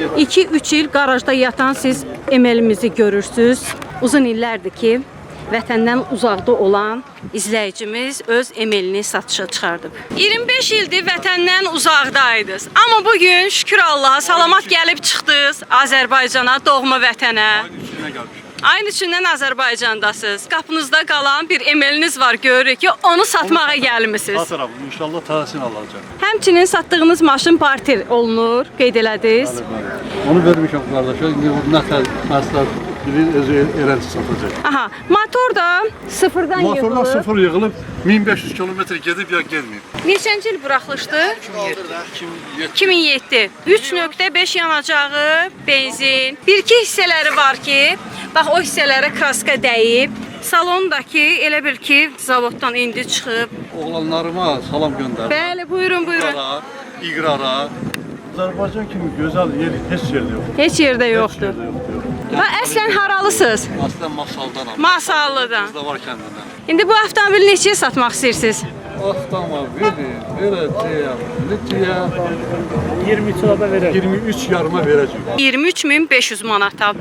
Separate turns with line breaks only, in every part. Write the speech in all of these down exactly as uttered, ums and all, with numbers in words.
iki üç il qarajda yatan siz emelimizi görürsünüz. Uzun illərdir ki, vətəndən uzaqda olan izləyicimiz öz emelini satışa çıxardıb. iyirmi beş ildir vətəndən uzaqdaydınız. Amma bugün şükür Allaha salamat gəlib çıxdınız Azərbaycana, doğma vətənə. Aynı içindən Azərbaycandasınız. Qapınızda qalan bir emeliniz var, görürük ki, onu satmağa gəlmisiniz.
Satıram, inşallah təhsil alacaq.
Həmçinin satdığınız maşın parter olunur, qeyd elədiniz.
Onu vermişəm qardaşa, indi nə tər məsləhət bilir, özü eləncə satacaq.
Aha, motor da sıfırdan yığılıb.
Motordan sıfır yığılıb, min beş yüz kilometr gedib ya gelməyib.
Neçənci il buraxılışdı? iki min yeddi. üç nöqtə beş yanacağı, benzin. Bir-iki hissələri var ki, bax o hissələrə kraska dəyib. Salondakı elə bil ki, zavoddan indi çıxıb.
Oğlanlarıma salam göndərir.
Bəli, buyurun, buyurun.
İqrara, İqrara. Azərbaycan kimi gözəl yer heç yerdə yoxdur.
Heç yerdə yoxdur.
Heç yerdə yoxdur.
Və əslən haralısınız?
Aslən Masaldanam.
Masallıdan.
Bizdə var kəndindən.
İndi bu avtomobili neçəyə satmaq istəyirsiniz?
Avtomobili verəcəyəm. Neçəyə?
iyirmi üç lira verər.
iyirmi üç yarıma verəcəyim.
iyirmi üç min beş yüz manata.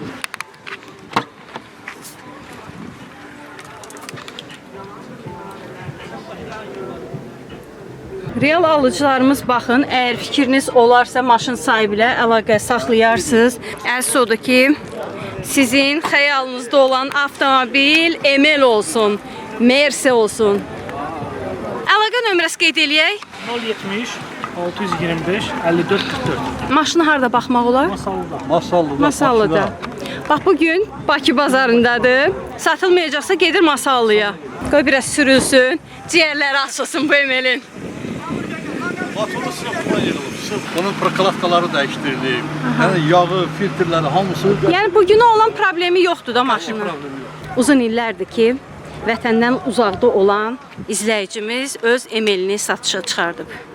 Real alıcılarımız baxın, əgər fikriniz olarsa maşın sahibi ilə əlaqə saxlayarsınız. Əsas odur ki, sizin xəyalınızda olan avtomobil Emel olsun, Merse olsun. Əlaqə nömrəsi qeyd eləyək.
nol yetmiş altı yüz iyirmi beş əlli dörd qırx dörd.
Maşını harda baxmaq olar?
Masallıda.
Masallıda.
Masallıda. Bax bugün Bakı bazarındadır. Satılmayacaqsa gedir Masallıya. Qoy biraz sürülsün, ciyərləri açılsın bu Emelin.
Motoru sırf buna yığılıb. Sırf bunun proklavkaları dəyişdirilib. Yəni yağı, filtrləri hamısı.
Yəni bugünə olan problemi yoxdur da maşının.
Problemi yox.
Uzun illərdir ki, vətəndən uzaqda olan izləyicimiz öz Emelini satışa çıxardıb.